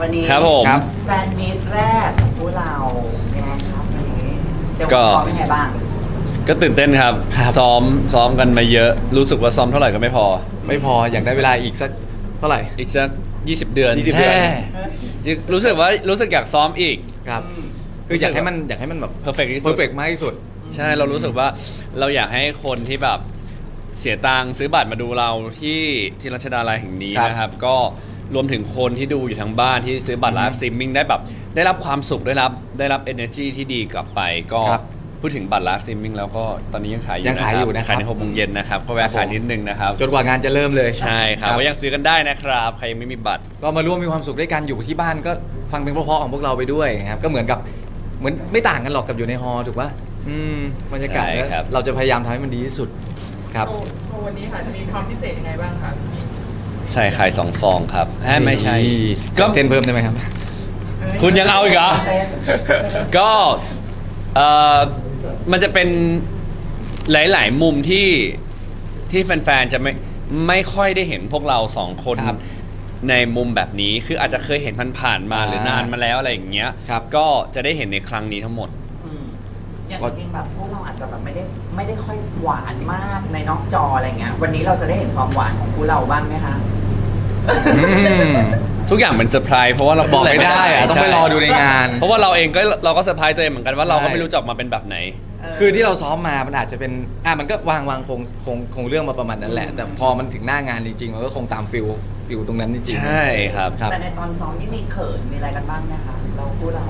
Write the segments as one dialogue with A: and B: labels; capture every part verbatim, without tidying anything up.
A: วันนี้
B: ครับผม
A: แฟนมีตแรกของพวกเราเป็นไงครับวันนี้เดี๋ยวผมขอเป็นไงบ้าง
B: ก็ตื่นเต้นครับ ซ้อมซ้อมกันมาเยอะรู้สึกว่าซ้อมเท่าไหร่ก็ไม่พอ
C: ไม่พออยากได้เวลาอีกสักเท่าไหร่
B: อีกสักยี่สิบเดือน
C: ยี่สิบเดือน
B: แฮ่รู้สึกว่ารู้สึกอยากซ้อมอีก
C: ครับคืออยากให้มันอยากให้มันแบบ
B: perfect ที่
C: เพ
B: สุ
C: อ
B: ด
C: ร์เฟกมากที่สุด
B: ใช่เรารู้สึกว่าเราอยากให้คนที่แบบเสียตังค์ซื้อบัตรมาดูเราที่ที่รัชดาลัยแห่งนี้
C: ครับ
B: นะครับ ก็รวมถึงคนที่ดูอยู่ทางบ้านที่ซื้อบัตรไลฟ์สตรีมมิ่งได้แบบได้รับความสุขได้รับได้รับ energy ที่ดีกลับไปก็
C: ครับ
B: พูดถึงบัตรไลฟ์สตรีมมิ่งแล้วก็ตอนนี้ยังขายอยู่
C: ยังขายอยู่นะครับ
B: ขายในหกโมงเย็นนะครับก็แวะขายนิดนึงนะครับ
C: จนกว่างานจะเริ่มเลย
B: ใช่ครับก็ยังซื้อกันได้นะครับใครยังไม่มีบัตร
C: ก็มาร่วมมีความสุขด้วยกันอยู่ที่บ้านก็ฟังเพลงเพราะๆของพวกเราไปด้วยนะครับก็เหมือนกับเหมือนไม่ต่างกันหรอกกับอยู่ในฮอลล์ถูกป่ะอืมบรรยากาศ
B: ใช่ครับ
C: เราจะพยายามทำให้มันดีที่สุดครับ
D: โชว์โชว์วันนี้ค่ะจะมีความพิเศษยังไงบ้างคะพี่
B: ใช่ขายสองฟองครับแฮ่ไม่ใช่
C: ก็
B: ก็
C: เส้นเพิ่มได้ไหมครับ
B: คุณยังเอาอีกเหรอ ก็เอ่อมันจะเป็นหลาย ๆ มุมที่ที่แฟน ๆ จะไม่ไม่ค่อยได้เห็นพวกเราสองคน
C: ครับ
B: ในมุมแบบนี้คืออาจจะเคยเห็นผ่านๆมา
C: อ่า
B: หรือนานมาแล้วอะไรอย่างเงี้ย
C: ครับ
B: ก็จะได้เห็นในครั้งนี้ทั้งหมด
A: อืมอย่างจริงๆแบบพวกเราอาจจะแบบไม่ได้ไม่ได้ค่อยหวานมากในนอกจออะไรเงี้ยวันนี้เราจะได้เห็นความหวานของพวกเราบ้างไหมคะ
C: อืม
B: ทุกอย่างเป็นเซอร์ไพรส์เพราะว่าเรา
C: บอกไม่ได้อะต้องไปรอดูในงาน
B: เพราะว่าเราเองก็เราก็เซอร์ไพรส์ตัวเองเหมือนกันว่าเราก็
C: ใช่
B: ไม่รู้จะออกมาเป็นแบบไหน
C: คือที่เราซ้อมมามันอาจจะเป็นอ่ะมันก็วางวางคงคงคงเรื่องมาประมาณนั้นแหละ แต่พอมันถึงหน้างานจริงๆมันก็คงตามฟิลฟิลตรงนั้นจริงๆ
B: ใช่ครับ
C: ครับ
A: แต่ในตอนซ้อมนี่มีเขินมีอะไรกันบ้างนะคะเราพูดเรา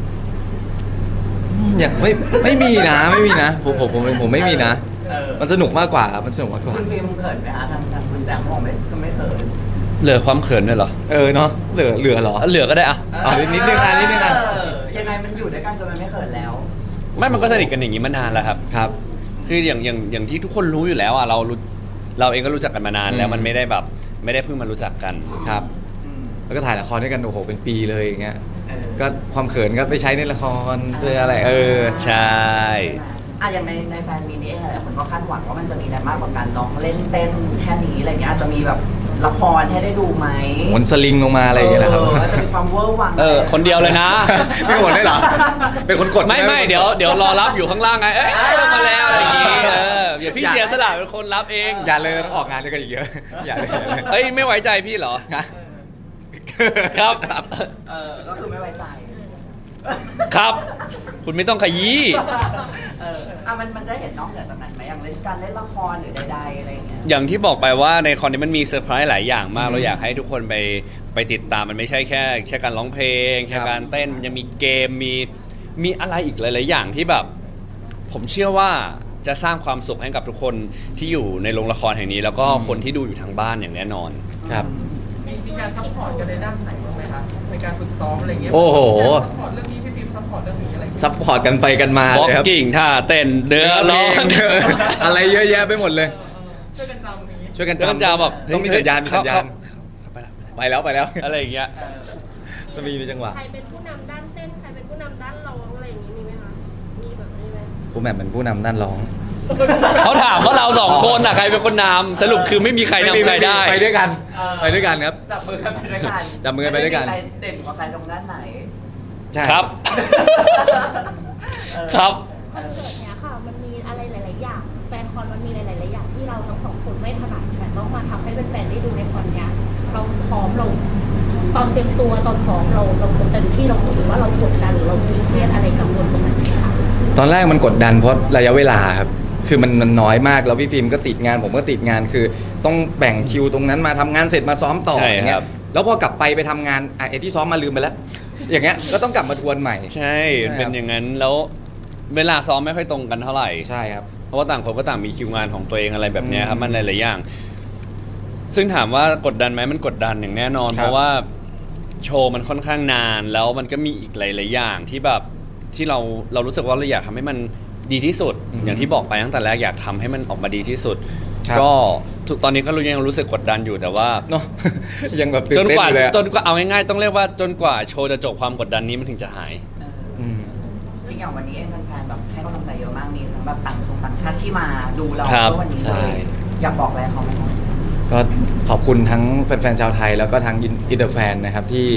C: อย่างไม่ไม่มีนะไม่มีนะผมผมผมผมไม่มีนะ
A: เออ
C: มันสนุกมากกว่ามันสนุกมากกว่า
A: คุณฟิล์มเขินไหมคะทางทางคุณแจมบอกไม่ก็ไม่เขิน
B: เหลือความเขินด้วยเหรอ
C: เออเนาะเหลือเหลือเหรอ
B: เหลือก็ได้อะ
C: อ๋อนิดนึงอ่ะนิดนึงอ่ะ
A: เยังไงมันอยู่ด้วยกันจนมันไม่เขินแล้ว
B: ไม่มันก็สนิทกันอย่างนี้มานานแล้วครับ
C: ครับ
B: คืออย่างอย่างอย่างที่ทุกคนรู้อยู่แล้วอ่ะเรารู้เราเองก็รู้จักกันมานานแล้ว
C: อืม
B: มันไม่ได้แบบไม่ได้เพิ่งมารู้จักกัน
C: ครับ
A: อืม
C: แล้วก็ถ่ายละครด้วยกันโอ้โหเป็นปีเลยอย่างเงี้ย
A: เออ
C: ก็ความเขินก็ไปใช้ในละครเพื่ออะไรเออ
B: ใช่
A: อ่ะอย่างในในแฟนมีนี่เองหลายคนก็คาดหวังว่ามันจะมีอะไรมากกว่าการร้องเล่นเต้นแค่นี้อะไรเงี้ยอาจจะมีแบบละครให้ได้ดูไหม
C: หมุนสลิงลงมาอะไรอย่างเงี้ยนะครับ
A: เออจะมีความเวอร์วัง
B: เออคนเดียวเลยนะ
C: ไม่หมดได้เหรอ เป็นคนกด
B: ไม่ไม่เดี๋ยวเดี๋ยวรอรับอยู่ข้างล่างไงเอ้ยมาแล้วอะไรอย่างงี้เออเดี๋ยวพี่เสียสละเป็นคนรับเอง
C: อย่าเลยต้องออกงานด้วยกันอีกเยอะ อย่าเลยอย่าเลย
B: เอ้ยไม่ไว้ใจพี่เหรอ
C: นะครับ
A: เออก็คือไม่ไว้ใจ
B: ครับ คุณไม่ต้องขยี้
A: เอออ่ะมันมันจะเห็นนอกเหนือจากนั้นไหมอย่างเล่นการเล่นละครหรือใดๆอะไรอย่างเงี้ย
B: อย่างที่บอกไปว่าในคอนนี้มันมีเซอร์ไพรส์หลายอย่างมาก
C: อืม
B: เราอยากให้ทุกคนไปไปติดตามมันไม่ใช่แค่แค่การร้องเพลงแค่
C: ครับ
B: การเต้นมันยังมีเกมมีมีอะไรอีกหลายๆอย่างที่แบบ ผมเชื่อว่าจะสร้างความสุขให้กับทุกคนที่อยู่ในโรงละครแห่งนี้ แล้วก็คนที่ดูอยู่ทางบ้านอย่างแน่นอน
C: ครับ
D: มีมีการซัพพอร์ตกันในด้านไหนบ้างไหมคะในการฝึกซ้อมอะไรเงี้ย
C: โอ้โห
D: ซัพพอร์ตเรื่องนี้พี่ฟิล์มซัพพอร์ตเรื่องนี้อะไรเงี้ย
C: ซัพพอร์ตกันไปกันมา
B: บล็อก
C: เลยครับ
B: กิ่งท่าเต้นเดือร้อง
C: อะไรเยอะแยะไปหมดเลย
D: ช่วยกันจำอย่างนี้
C: ช่วยกัน
B: แล้วก็
C: จำ
B: จะแบบ
C: ต้องมีสัญญาณมีสัญญาณ
B: เข้ไปละ
C: ไปแล้วไปแล้ว
B: อะไรอย่างเงี้ย
A: เออ
C: จะมีมีจังหวะ
E: ใครเป็นผู้นำด้านเต้น ใครเป็นผู้นำด้านร้องอะไรอย่างนี้มีไหมคะ มีแบบนี้ไหม
C: ผู้แหม่มเป็นผู้นำด้านร้อง
B: เขาถามว่าเราสองคนน่ะใครเป็นคนนำสรุปคือไม่มีใครนำใครได้
C: ไปด้วยกันไปด้วยกันครับ
A: จับมือกันไปด้วยกัน
C: จับมือกันไปด้วยกัน
A: ม่มีใครเด่นกว่าใครตรงด้านไหน
C: ใช่
B: ครับ
A: เออ
B: ครับ
E: คอนเสิร์ตเนี้ยค่ะ มันมีอะไรหลาย ๆ อย่าง แฟนคอนมันมีหลาย ๆ อย่างที่เราทั้งสองคนไม่ถนัดแต่ต้องมาทำให้แฟนๆได้ดูในคอนเนี้ยเราพร้อมเราตอนเตรียมตัวตอนซ้อมเราเราเต็มที่เราหรือว่าเรากดดันหรือเรามีเครียดอะไรกังวลตรงไหนไหมคะ
C: ตอนแรกมันกดดันเพราะระยะเวลาครับ คือมันมันน้อยมากแล้วพี่ฟิล์มก็ติดงานผมก็ติดงานคือต้องแบ่งคิวตรงนั้นมาทำงานเสร็จมาซ้อมต่อ
B: ใช่
C: อย่างเงี้
B: ครั
C: ย
B: บ
C: แล้วพอกลับไปไปทำงานอ่ะไอ้ที่ซ้อมมาลืมไปแล้ว อย่างเงี้ยก็ต้องกลับมาทวนใหม่
B: ใช่
C: ใช่ครับ
B: เป็นอย่างนั้นแล้วเวลาซ้อมไม่ค่อยตรงกันเท่าไหร่
C: ใช่ครับ
B: เพราะว่าต่างคนก็ต่างมีคิวงานของตัวเองอะไรแบบเนี้ยครับ
C: อืม
B: มันหลายๆอย่าง ซึ่งถามว่ากดดันไหมมันกดดันอย่างแน่นอน
C: ครับ
B: เพราะว่าโชว์มันค่อนข้างนานแล้วมันก็มีอีกหลาย ๆ อย่างที่แบบที่เราเรารู้สึกว่าเราอยากทำให้มันดีที่สุด อย่างที่บอกไปตั้งแต่แรกอยากทำให้มันออกมาดีที่สุด
C: ครับ
B: ก็ทุกตอนนี้ก็รู้ยังรู้สึกกดดันอยู่แต่ว่า
C: เนาะ ยังแบบตื่
B: จ
C: น
B: น
C: เต้น
B: กว่า
C: อยู่เลยอะ
B: จนกว่าเอาง่ายๆต้องเรียกว่าจนกว่าโชว์จะจบความกดดันนี้มันถึงจะหาย
A: เออ
C: อืม
A: จริงอย่างวันนี้เองแฟนๆแบบให้กำลังใจเยอะมากมีทั้งแบบต่างชงต่างชาติที่มาดูเรา
B: ครับ
A: ด้วยวันนี้
C: ใช่
A: เลยอยากบอกอะไรเขาไหมครับ
C: ก็ขอบคุณทั้งแฟนๆชาวไทยแล้วก็ทั้งอินเตอร์แฟนนะครับที่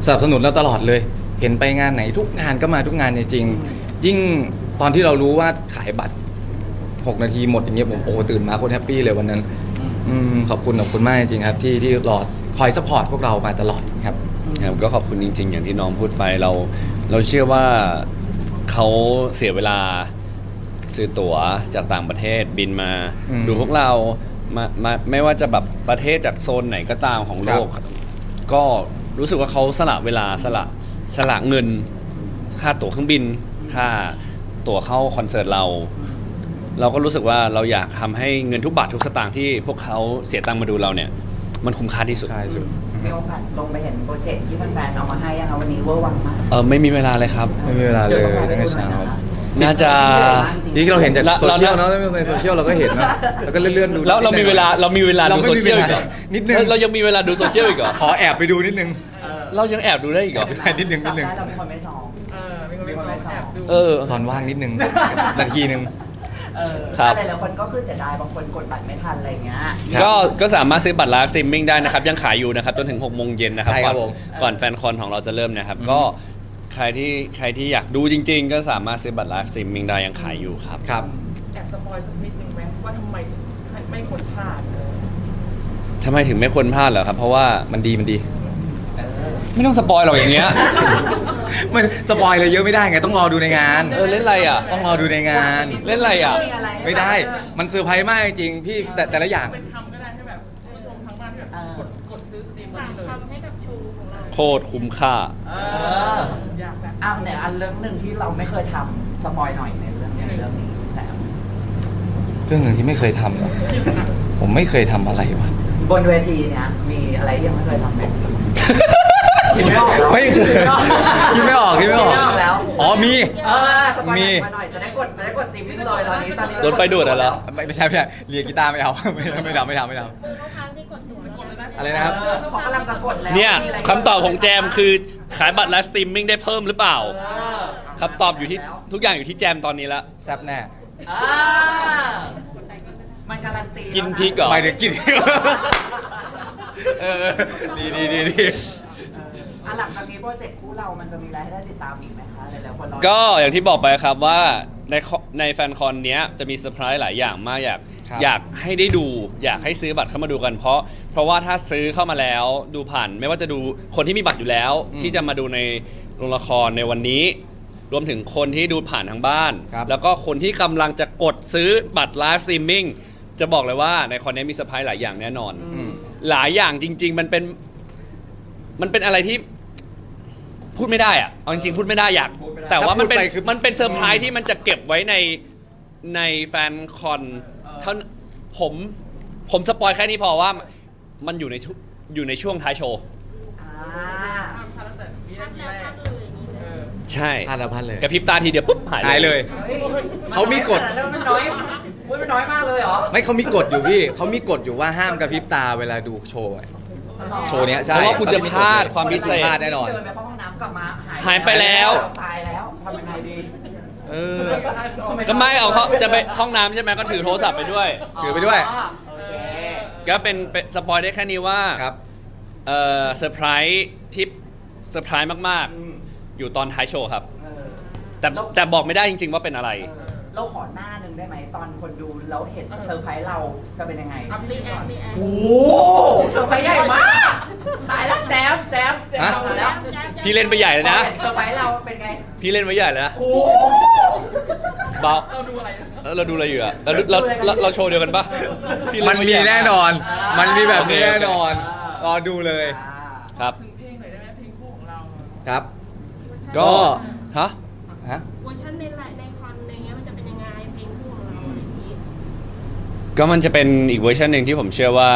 C: สนับสนุนเราตลอดเลย เห็นไปงานไหนทุกงานก็มาทุกงานจริงๆยิ่งตอนที่เรารู้ว่าขายบัตรหกนาทีหมดอย่างเงี้ยผมโอ้โหตื่นมาโคตรแฮปปี้เลยวันนั้นอืมขอบคุณขอบคุณมากจริงๆครับที่ที่รอคอยซัพพอร์ตพวกเรามาตลอดครับ
B: ครับก็ขอบคุณจริง ๆ อย่างที่น้องพูดไปเรา เราเชื่อว่าเขาเสียเวลาซื้อตั๋วจากต่างประเทศบินมา
C: อืม
B: ดูพวกเรามามาไม่ว่าจะแบบประเทศจากโซนไหนก็ตามของโลก ก็รู้สึกว่าเขาสละเวลาสละสละเงิน ค่าตั๋วเครื่องบิน ค่าตั๋วเข้าคอนเสิร์ตเรา เราก็รู้สึกว่าเราอยากทำให้เงินทุกบาททุกสตางค์ที่พวกเขาเสียตังค์มาดูเราเนี่ย มันคุ้มค่าที่สุด
C: ใช่สุด
A: มีโอกาสลงไปเห็นโปรเจกต์ที่แฟนๆเอามาให้ยังคะวันนี้เวอร์วังมาก
B: เออไม่มีเวลาเลยครับ
C: ไม่มีเวลาเลยตั้งแต่เช้า
B: น่าจะ
C: นี่เราเห็นจาก
B: เรา
C: โซเชียล
B: เรา
C: เนาะในโซเชียลเราก็เห็นเนาะแล้วก็เลื่อนๆดู
B: แล้วเรามีเวลาเรามีเวลา
C: เรา
B: ดู
C: ไม่
B: โซ
C: มี
B: เชียล
C: เว
B: อีกเหร
C: ลา
B: อ
C: นิดนึง
B: เรายังมีเวลาดูโซเชียลอีกเหรอ
C: ขอแอบไปดูนิดนึง
B: เรายังแอบดูได้อีกเหรอ
C: นิดนึงนิดนึง
A: จำได้เราเป็นคนไม่ซ้อม
D: เออมีคนไปซ้อมแอบดู
B: เออ
C: ตอนว่างนิดนึง นาทีนึง
A: เออ
B: ครับ
A: หลายๆคนก็คือเสียดายบางคนกดบัตรไม่ทันอะไรอย่างเงี้ย
C: ครับ
B: ก็ก็สามารถซื้อบัตรไลฟ์สตรีมมิ่งได้นะครับ ยังขายอยู่นะครับจนถึงหกโมงเย็นนะครับ
C: ใช่ครับ
B: ก่อน
C: ผม
B: ก่อนแฟนคอนของเราจะเริ่มนะครับ
C: อืม
B: ก็ใครที่ใครที่อยากดูจริง ๆ ก็สามารถซื้อบัตรไลฟ์สตรีมมิ่งได้ยังขายอยู่ครับ
C: ครับ
D: แอบสปอยสักนิดนึงไหมว่าทำไมถึงไม่ไม่ควรพลาดเออ
B: ทำไมถึงไม่ควรพลาดเหรอครับ เพราะว่า
C: มันดีมันดี
B: ไม่ต้องสปอยหรอกอย่างเงี้ย
C: มันสปอยเลยเยอะไม่ได้ไงต้องรอดูในงาน
B: เออเล่นอะไรอ่ะ
C: ต้องรอดูในงาน
B: เล่นอะไรอ่ะ
C: ไม่ได้ มันเซอร์ไพรส์มากจริงๆพี่แต่แต่ละอย่าง
D: เป็นทำก็ได้ให้แบบผู้ชมทั้งบ้านที่แบบกดกดซื้อสตรีมวัน
E: ฝาก
D: นี้เลย
E: ทำให้กับโชว์ของเรา
B: โคตรคุ้มค่า
D: เอออยากแบบ
A: อ้าวเนี่ยอันเรื่องหนึ่งที่เราไม่เคยทำสปอยหน่อยในเรื่องในเรื่องนี้แต่
C: เรื่องหนึ่งที่ไม่เคยทำเหรอผมไม่เคยทำอะไรวะ
A: บนเวทีเนี่ยมีอะไรที่ยังไม่เคยทำไหม คิดไม่ออกแล้ว
C: ไม่เคยคิดไม่ออกคิดไม่ออก
A: คิดไม่ออกแล้ว
C: อ๋อมี
A: เออสปอย
C: มี
A: มาหน่อยจะได้กดจะได้กดสตรีมมิ่งเลยตอนนี้ตอนนี้
B: โดนไฟดูดอะเหรอ
C: ไม่ไม่ใช่ไม่ใช่เรียนกีตาร์ไม่เอา ไม่ไม่ทำไม่ทำไม่ทำ
E: คือเขาค้างที่กดตัวแล้ว
D: กดเลยนะ
C: อะไรนะครับ
A: เออเขากำลังจะกดแล้ว
B: เนี่ย
A: มีะไร
B: คำตอบของแจมคือขายบัตรไลฟ์สตรีมมิ่งได้เพิ่มหรือเปล่า
A: เออ
B: คำตอบอยู่ที่ทุกอย่างอยู่ที่แจมตอนนี้ละ
C: แซ่บแน่
A: อ่ามันการันตี
B: กินพริกเหรอ
C: หมายถึงกิน เออดีดีดีดี
A: อ่ะหลังจากนี้โปรเจกต์คู่เรามันจะมีอะไรให้ได้ติดตามอีกไหมคะหลายๆคนรอ
B: ก็อย่างที่บอกไปครับว่าในคในแฟนคอนเนี้ยจะมีเซอร์ไพรส์หลายอย่างมากอยาก
C: ครับ
B: อยากให้ได้ดู อยากให้ซื้อบัตรเข้ามาดูกันเพราะ เพราะว่าถ้าซื้อเข้ามาแล้วดูผ่าน ไม่ว่าจะดูคนที่มีบัตรอยู่แล้ว
C: อืม
B: ที่จะมาดูในโรงละครในวันนี้ รวมถึงคนที่ดูผ่านทางบ้าน
C: ครับ
B: แล้วก็คนที่กำลังจะกดซื้อบัตรไลฟ์สตรีมมิ่งจะบอกเลยว่าในคอนนี้มีเซอร์ไพรส์หลายอย่างแน่นอน
C: อืม
B: หลายอย่างจริง ๆ มันเป็นมันเป็นอะไรที่พูดไม่ได้อะเอาจริงๆพูดไม่ได้อยาก แต่ว่ามันเป็น
C: ถ้าพูดไปคือ
B: มันเป็นเซอร์ไพรส์ที่มันจะเก็บไว้ในในแฟนคอนเท่าผมผมสปอยแค่นี้พอว่ามันอยู่ในชุอยู่ในช่วงท้ายโชว์
A: อ่า
D: ห้ามพลาดตั้งแต่วิ
E: พั
D: นาก ที
E: แล้ว
D: แรก
E: พักเลยอย่างนี้เล
D: เอย อ
B: ใช่
C: พลาดแล้วพลาดเลย
B: กระพริบตาทีเดียวปุ๊บหาย
C: หายเลย
A: เฮ้ย
C: เขามีกฎ
A: แล้วมันน้อยอุ้ยมันน้อยมากเลยเหรอ
C: ไม่เขามีกฎอยู่พี่เขามีกฎอยู่ว่าห้ามกระพริบตาเวลาดูโชว์อะโชว์เนี้ยใช่
B: เพราะว่าคุณจะพลาดความพิเศษ
C: พลาดแน่นอน
A: เดินไปเข้าห้องน้ำกลับมาหาย
B: หายไปแล้ว
A: ตายแล้วทำยังไงดี
C: เออ
B: ก็ไม่เอาเขาจะไปห้องน้ำใช่ไหมก็ถือโทรศัพท์ไปด้วย
C: ถือไปด้วย
A: อ๋อโอเค
B: ก็เป็นเป็นสปอยได้แค่นี้ว่า
C: ครับ
B: เออเซอร์ไพรส์ที่เซอร์ไพรส์มาก
A: อืม
B: ๆ อยู่ตอนท้ายโชว์ครับ
A: เออ
B: แต่แต่บอกไม่ได้จริง ๆ ว่าเป็นอะไร
A: เออเราขอหน้าหนึ่งได้ไหมตอนคนดูแล้วเห็นเซอร์ไพรส์เราจะเป็นยังไง
D: อัพ
E: รี
D: นี่
E: แอ
D: ก่อ
E: คน รีแอค
A: โอ้โหเซอร์ไพรส์ใหญ่มาก ตายแล้วแจมแจม
C: ฮะ
A: เอาแล้ว
B: พี่เล่นไปใหญ่เลยนะ
A: เซอร์ไพรส์เราเป็นไง
B: พี่เล่นไว้ใหญ่เลยนะ
A: โอ้โห
B: เบา
D: เราดูอะไรนะ
B: เออเราดูอะไรอยู่อะเราเราเราเราโชว์เดียวกันปะพี่เล่
C: มัน
B: ไว้
C: มี
B: ใหญ่
C: แน่นอน มันมีแบบนี้
B: โอเค
C: แน่นอน รอดูเลย
B: ครับ
D: ถึงเพลงหน่อยได้ไหมเพลงคู่ของเรา
C: ครับ
B: ก็
C: ก็
B: ฮะ
C: ฮะ
E: เวอร์ชันในไลน์ในคอนอะไรเงี้ยมันจะเป็นยังไงเพลงคู่ของเราอะไรอย่างนี้
B: ก็มันจะเป็นอีกเวอร์ชันหนึ่งที่ผมเชื่อว่า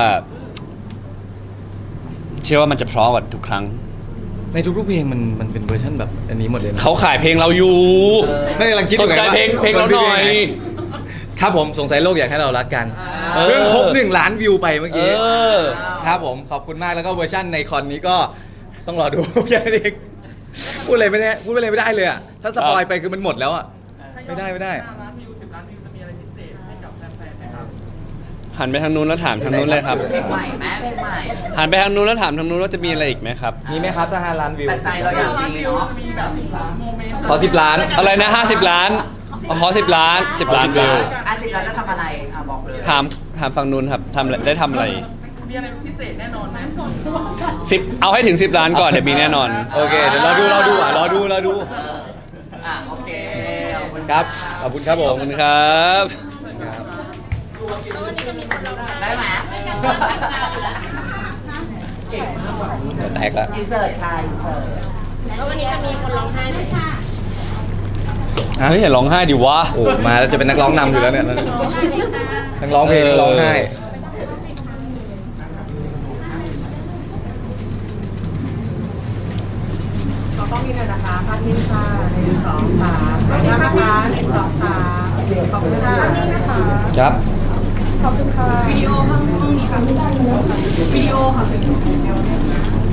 B: เชื่อว่ามันจะเพราะกว่าทุกครั้ง
C: ในทุกๆเพลงมันมันเป็นเวอร์ชันแบบอันนี้หมดเลยนะ
B: เขาขายเพลงเราอยู่
C: ไม่กำลังคิดอ
B: ส
C: ยู่
B: น
C: ไง
B: ใจ
C: ว่า
B: เพลงเพลงเราหน่อย
C: ครับผมสงสัยโลกอยากให้เรารักกัน
B: เออ
C: เพิ่งครบหนึ่งล้านวิวไปเมื่อ
B: เอ
C: กี้
B: อ
C: ครับผมขอบคุณมากแล้วก็เวอร์ชันในคอนนี้ก็ต้องรอดู แค่นั้นเองพูดอะไรไม่ได้พูดอะไรไม่ได้เลยอะถ้าสปอยไปคือมันหมดแล้วอะ ไม่ได้ไม่ได้
D: ห้าล้านวิวสิบล้านวิวจะมีอะไรพิเศษให้กับแฟนๆไหมครับ
B: หันไปทางนู้นแล้วถามทางนู้นเลยครับ
A: เพลงใหม่แม่เพลงใหม่
B: หันไปทางนู้นแล้วถามทางนู้นว่าจะมีอะไรอีกไหมครับ
C: มีไหมครับถ้าห้าล้านวิว
A: แต่ใจเราอยาก
D: ร้าน
A: มี
D: วิว
A: เนาะ
D: จะมีแบบโมเมนต์
C: ขอสิบล้าน
B: อะไรนะห้าสิบล้านขอสิบล้านสิบล้านวิว
A: อ่ะสิบล้านจะทำอะไรอ่ะบอกเลย
B: ถามถามฝั่งนู้นครับทำอะไรได้ทำอะไร
D: มีอะไรพิเศษแน่นอนไหม
B: สิบเอาให้ถึงสิบล้านก่อนเดี๋ยวมีแน่นอน
C: โอเคเดี๋ยวรอดูรอดูอ่ะรอดูรอดู
A: อ่ะโอเคขอบคุณ
C: ครับ ขอบคุณครับผ
B: ขอ
C: ม
B: บคุณครับ
A: ได้ไหม
C: แตกละ
A: อินเสิร์ตค่ะอินเสิร์ต
E: แล้ววันนี้จะมีคนร้องไห้ไหมคะ
B: เฮ้ยอย่าร้องไห้ดิวะ
C: โอ้มาแล้วจะเป็นนักร้องนำอยู่แล้วเนี่ย
E: ร้องไห้ไหมคะ
C: นักร้องเพลงนักร้องไห้
D: เราต้องมีเลยนะคะภาพนิ่งค่ะหนึ่งสองสามขอบคุณนะคะหนึ่งสองสามขอบคุณค่ะนี่นะคะ
C: ครับ
D: ขอบคุณค่ะวิดีโอห้องห้องนี้ค่ะวิดีโอค่ะวิดีโอเนี่ย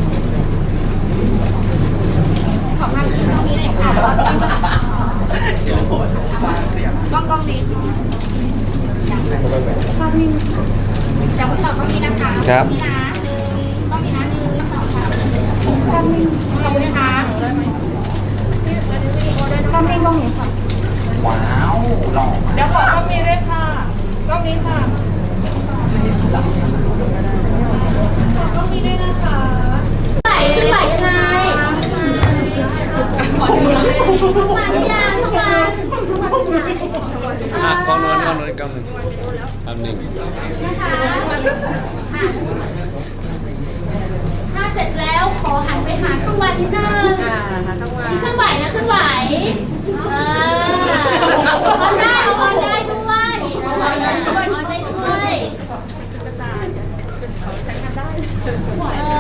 E: ขอภาพตรงนี้เลยค่ะ
D: กล้องกล้องดี
E: จะพูดต่อกล้องนี้นะคะ
C: ครับ
E: นี่นะหนึ่งกล้องนี้นะหนึ่งสองสามขอบคุณค่ะกล้องนี้กล้องนี้ค่ะ
A: ว้าวหล่อ
D: เดี๋ยวขอกล้องนี้ด้วยค่ะกล้องนี้ค่ะ
E: กล้องนี้ด้วยนะคะไหลขึ้นไหลยังไงมาที่ยานทุกวันทุกวัน
B: อ่ะกล้องนู้นกล้องนู้นกล้องนึงแป๊บนึง
E: นะคะอ่ะถ้าเสร็จแล้วขอหันไปหาข้างวันนิดนึงนี่เคลื่อนไหวนะเคลื่อนไหวเออออนได้เอาออนได้ด้วยออนได้ด้วยออนได้ด้วยเออ